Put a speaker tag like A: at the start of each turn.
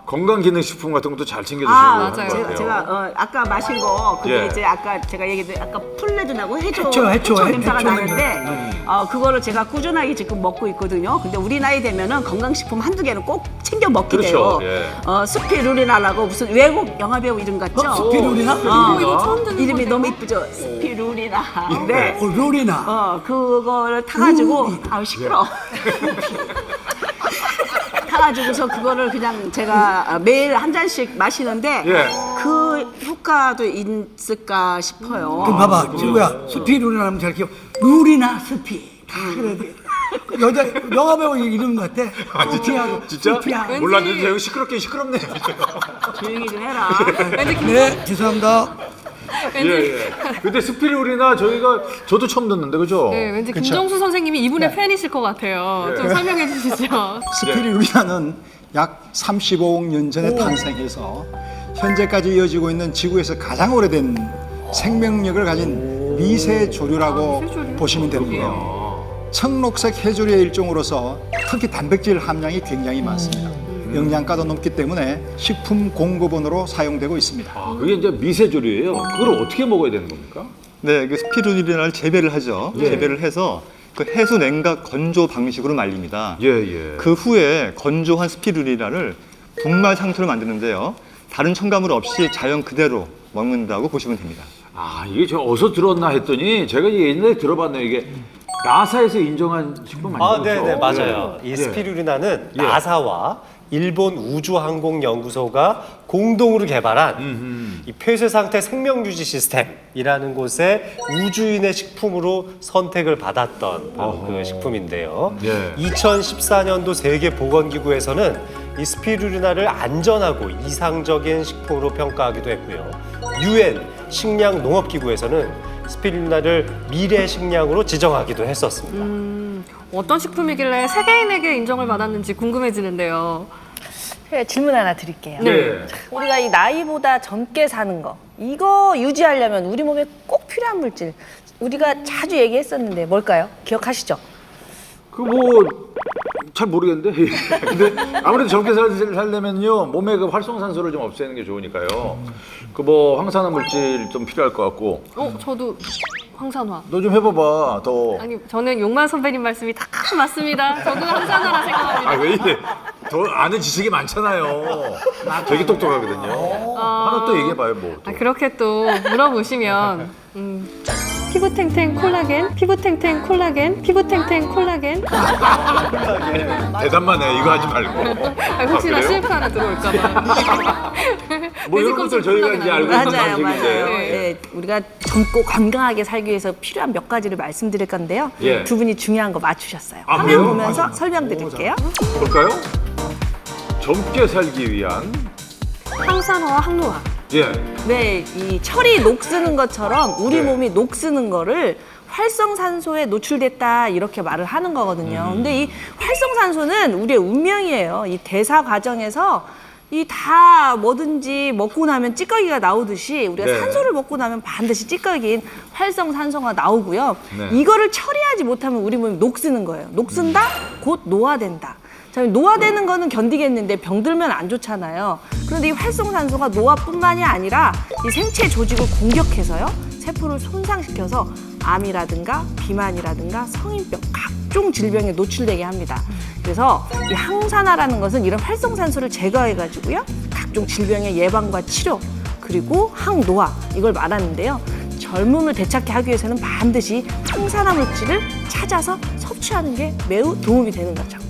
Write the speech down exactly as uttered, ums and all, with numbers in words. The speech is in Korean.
A: 건강기능식품 같은 것도 잘 챙겨주시고
B: 아,
A: 하는 것
B: 맞아요.
A: 같아요.
C: 제가, 제가 어, 아까 마신 거 그게
A: 예.
C: 이제 아까 제가 얘기했던 아까 풀레드나고 해초
D: 해초, 해초, 해초
C: 냄새가
D: 해초
C: 나는데 어, 그거를 제가 꾸준하게 지금 먹고 있거든요. 근데 우리 나이 되면은 건강식품 한두 개는 꼭 챙겨 먹게
A: 그렇죠.
C: 돼요.
A: 예.
C: 어, 스피루리나라고 무슨 외국 영화배우 이름 같죠?
D: 어, 스피루리나?
C: 어,
B: 이거 처음 듣는
C: 이름이
B: 건데요?
C: 너무 이쁘죠? 스피루리나. 네.
D: 어, 룰이나.
C: 어, 그거를 타가지고 아우 시끄러. 타가지고서 그거를 그냥 제가 매일 한 잔씩 마시는데
A: 예.
C: 그 효과도 있을까 싶어요.
D: 그럼 봐봐, 친구야. 스피 룰이나 하면 잘 기억. 룰이나 스피. 다 그래야 돼. 여자 영화배우 이름 같아. 스피하고
A: 진짜?
D: 스피하고.
A: 몰랐는데 제가 시끄럽게 시끄럽네.
C: 조용히 좀 해라.
B: 왠지 김,
D: 네, 죄송합니다.
A: 예, 예. 근데 스피루리나 저희가 저도 처음 듣는데 그죠?
B: 네, 왠지 김정수 선생님이 이분의 팬이실 것 같아요. 좀 설명해 주시죠.
E: 스피루리나는 약 삼십오억 년 전에 탄생해서 현재까지 이어지고 있는 지구에서 가장 오래된 생명력을 가진 미세조류라고
B: 미세조류?
E: 보시면 되는데요. 청록색 해조류의 일종으로서 특히 단백질 함량이 굉장히 많습니다. 영양가도 높기 때문에 식품 공급원으로 사용되고 있습니다.
A: 아, 그게 이제 미세조류예요. 그걸 어떻게 먹어야 되는 겁니까?
F: 네, 그 스피루리나를 재배를 하죠.
A: 예.
F: 재배를 해서 그 해수 냉각 건조 방식으로 말립니다.
A: 예, 예.
F: 그 후에 건조한 스피루리나를 분말 상토로 만드는데요. 다른 첨가물 없이 자연 그대로 먹는다고 보시면 됩니다.
A: 아, 이게 저 어디서 들었나 했더니 제가 옛날에 들어봤네요. 이게 나사에서 인정한 식품 아니죠?
G: 아, 네, 네, 맞아요.
A: 예.
G: 이 스피루리나는
A: 예.
G: 나사와 일본 우주항공연구소가 공동으로 개발한 이 폐쇄 상태 생명 유지 시스템이라는 곳에 우주인의 식품으로 선택을 받았던 바로 그 식품인데요.
A: 예.
G: 이천십사 년도 세계보건기구에서는 이 스피루리나를 안전하고 이상적인 식품으로 평가하기도 했고요. 유엔 식량농업기구에서는 스피루리나를 미래 식량으로 지정하기도 했었습니다.
B: 음, 어떤 식품이길래 세계인에게 인정을 받았는지 궁금해지는데요.
H: 제가 질문 하나 드릴게요.
A: 네.
H: 우리가 이 나이보다 젊게 사는 거 이거 유지하려면 우리 몸에 꼭 필요한 물질 우리가 자주 얘기했었는데 뭘까요? 기억하시죠?
A: 그 뭐 잘 모르겠는데. 근데 아무래도 젊게 살, 살려면요 몸에 그 활성산소를 좀 없애는 게 좋으니까요. 그 뭐 황산화 물질 좀 필요할 것 같고.
B: 어, 저도 황산화.
A: 너 좀 해봐봐 더.
B: 아니, 저는 용만 선배님 말씀이 다 맞습니다. 저도 황산화라 생각합니다.
A: 아 왜 이래? 더 아는 지식이 많잖아요. 되게 똑똑하거든요. 하나 또 얘기해봐요 뭐. 또.
B: 아, 그렇게 또 물어보시면 음, 피부 탱탱 콜라겐, 피부 탱탱 콜라겐, 피부 탱탱 콜라겐.
A: 대답만 해 이거 하지 말고.
B: 아, 혹시나
A: 아, 그래요?
B: 실프 하나 들어올까 봐.
A: 뭐 이런 것들 저희가 이제 알고 있는
C: 맞아요, 맞아요.
A: 방식인데.
C: 예, 우리가 젊고 건강하게 살기 위해서 필요한 몇 가지를 말씀드릴 건데요.
A: 예.
C: 두 분이 중요한 거 맞추셨어요.
A: 아,
C: 화면
A: 그래요?
C: 보면서 설명드릴게요.
A: 볼까요? 젊게 살기 위한
B: 항산화와 항노화.
A: 예.
C: 네, 이 철이 녹쓰는 것처럼 우리
A: 네.
C: 몸이 녹쓰는 거를 활성산소에 노출됐다 이렇게 말을 하는 거거든요.
A: 음.
C: 근데 이 활성산소는 우리의 운명이에요. 이 대사 과정에서 이 다 뭐든지 먹고 나면 찌꺼기가 나오듯이 우리가
A: 네.
C: 산소를 먹고 나면 반드시 찌꺼기인 활성산소가 나오고요.
A: 네.
C: 이거를 처리하지 못하면 우리 몸이 녹쓰는 거예요. 녹쓴다? 곧 노화된다. 자, 노화되는 거는 견디겠는데 병들면 안 좋잖아요. 그런데 이 활성산소가 노화뿐만이 아니라 이 생체 조직을 공격해서요. 세포를 손상시켜서 암이라든가 비만이라든가 성인병 각종 질병에 노출되게 합니다. 그래서 이 항산화라는 것은 이런 활성산소를 제거해가지고요. 각종 질병의 예방과 치료 그리고 항노화 이걸 말하는데요. 젊음을 되찾게 하기 위해서는 반드시 항산화 물질을 찾아서 섭취하는 게 매우 도움이 되는 거죠.